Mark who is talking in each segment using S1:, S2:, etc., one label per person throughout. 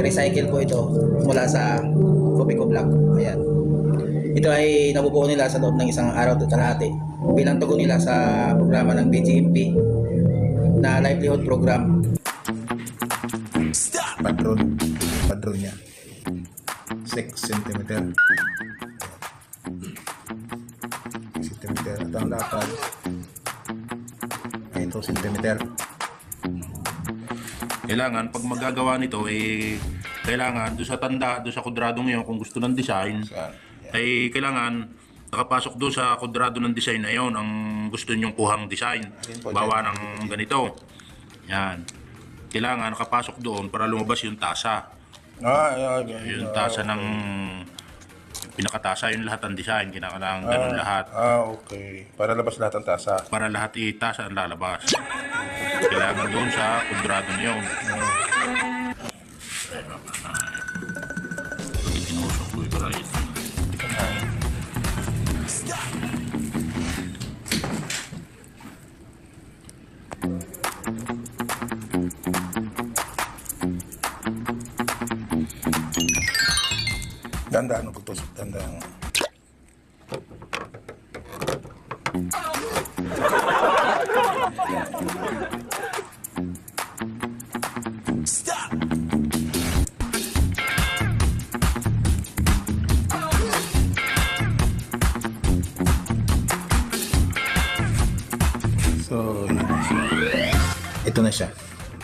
S1: recycle po ito mula sa Copico Block. Ayan. Ito ay nabubuo nila sa loob ng isang araw at kalahati bilang tugon nila sa programa ng BGMP na livelihood program.
S2: Padron niya 6 cm at ang lapad ay 2 cm.
S3: Kailangan pag magagawa nito kailangan doon sa tanda, doon sa kwadradong yun kung gusto ng design ay kailangan nakapasok doon sa kwadrado ng design na yun ang gusto nyong kuhang design. Bawa ng ganito. Yan. Kailangan nakapasok doon para lumabas yung tasa. Yung tasa ng pinakatasa yung lahat ng design. Kailangan ganun lahat.
S2: Okay. Para labas lahat ng tasa.
S3: Para lahat itasa ang lalabas. Kailangan doon sa kwadrado niyo. Tinusok ko yung right.
S2: Dandaan mo pagtusok. Dandaan. So, ito na siya.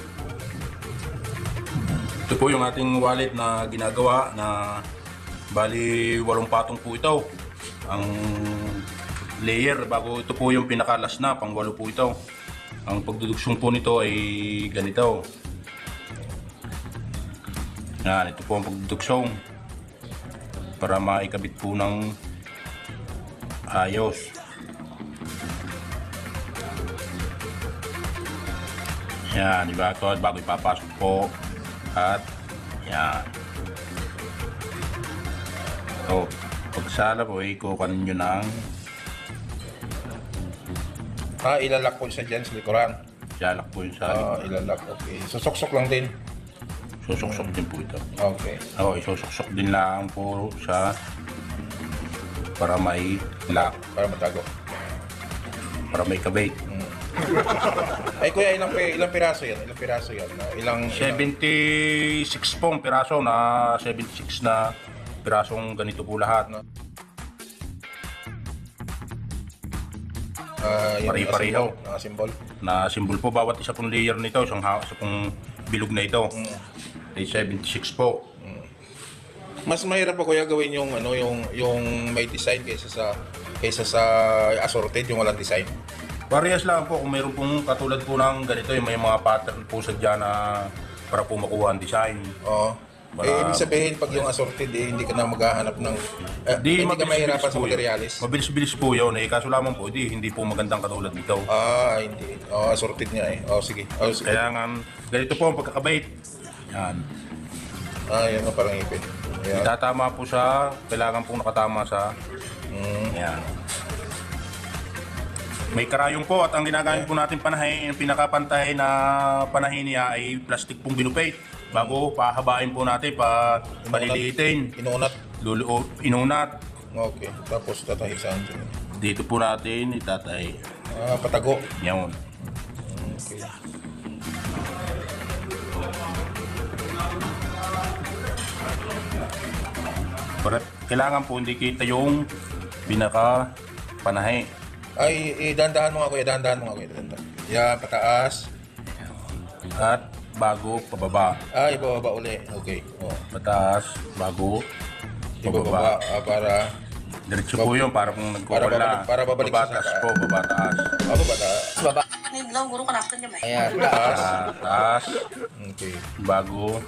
S3: Ito po yung ating wallet na ginagawa na bali 8 patong po ito. Ang layer bago ito po yung pinakalas na pang 8 po ito. Ang pagdudugsong po nito ay ganito. Yan, ito po ang pagdudugsong para maikabit po ng ayos. Yan, diba ito bago ipapasok po at yan. So, pagsala po, ikukunin nyo ng
S2: Ilalak po siya dyan sa likuran.
S3: salak po yung sa
S2: Ilalak, okay. Susuksok lang din.
S3: susuksok din po ito.
S2: Okay.
S3: Oo, isusuksok din lang po sa para may lock,
S2: Para matago.
S3: para may kabait.
S2: Ay kuya, ilang piraso yan? Ilang piraso yan? Ilang
S3: 76 pong piraso na 76 na pirasong ganito po lahat. Pare-pareho.
S2: Symbol.
S3: Na symbol po bawat isa pong layer nito, isang pong bilog na ito. Ay 76 po.
S2: Mas mahirap pa kuya gawin yung yung may design kaysa sa assorted yung walang design.
S3: Parehas lang po kung mayroon pong katulad po ng ganito, yung may mga pattern po sa dyan na para po makuha ang design.
S2: Oo. Ibig sabihin pag yung assorted hindi ka na maghahanap ng hindi ka mahirapan sa materialis.
S3: Mabilis-bilis po yun kaso lamang po hindi po magandang katulad nito.
S2: Hindi. Assorted niya eh. Sige. Sige.
S3: Kaya nga ganito po ang pagkakabait. Yan.
S2: Yan na parang ipin. Yan.
S3: Itatama po sa, kailangan pong nakatama sa yan. May karayong po at ang ginagamit po natin panahin, yung pinakapantay na panahin niya ay plastic pong binupay. Bago pahabain po natin, paliliitin.
S2: Inunat.
S3: Inunat.
S2: Okay. Tapos tatahisan.
S3: Dito po natin itatay.
S2: Patago.
S3: Yan.
S2: Okay.
S3: Kailangan po hindi kita yung pinaka panahe.
S2: Ay, dahan-dahan mo nga kuya. Dahan-dahan mo nga kuya. Yan, pataas.
S3: At bago pababa.
S2: Ibababa uli. Okay.
S3: Pataas, bago
S2: Ibababa para
S3: diretso po yun para kung nagkukula.
S2: para babalik sa
S3: babatas
S2: saka.
S3: po, babataas.
S2: pataas.
S1: Baba.
S4: Naglaw, guro ka nakita niya ba?
S1: Ayan.
S2: Taas.
S3: Taas,
S2: Okay.
S3: bago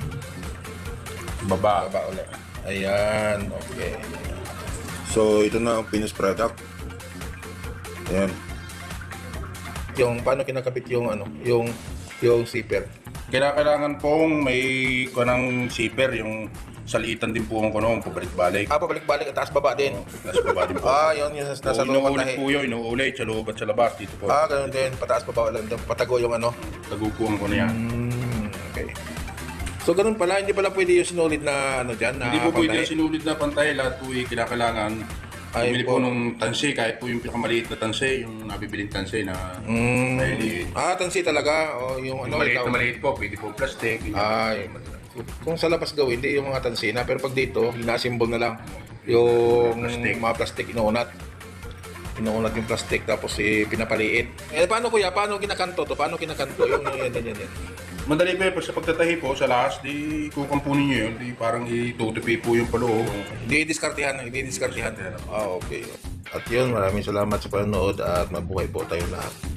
S3: baba.
S2: Baba uli. Ayan. Okay. So, ito na ang finished product. Ayan. Yung paano kinakabit yung yung zipper.
S3: Kailangan pong may kanang zipper, yung salitan din po ang kanong pabalik-balik.
S2: Pabalik-balik at taas baba din.
S3: Nasa baba din po.
S2: Yun nasa loob ng
S3: Inuulit
S2: tahi.
S3: po yun, inuulit sa loob at sa labas dito po.
S2: Ganun din. Pataas baba lang. Patago yung
S3: Tagukuhan ko na yan.
S2: Okay. So ganun pala, hindi pala pwede yung sinulid na ano dyan, na
S3: Hindi po pwede
S2: pantay?
S3: yung sinulid na pantay, lahat po kinakailangan.
S2: Ay
S3: Bumili
S2: po.
S3: po nung tansi, kahit po yung pinakamaliit na tansi, yung nabibiling tansi na ay,
S2: Tansi talaga, o yung ano,
S3: maliit
S2: ikaw.
S3: na maliit po, pwede po plastic.
S2: Ay, kung sa labas gawin, hindi yung mga tansina, pero pag dito, hinasimbol na lang yung
S3: Plastic.
S2: mga plastic inuunat. Inuunat yung plastic, tapos pinapaliit. Paano kuya, paano kinakanto to? Paano kinakanto? Yung yan.
S3: Madali po yun, sa pagtatahi po, sa last, di kukampunin nyo yun, di parang itutupi po yung paloob.
S2: Hindi diskartihan. Okay. At yun, maraming salamat sa panonood at mabuhay po tayo lahat.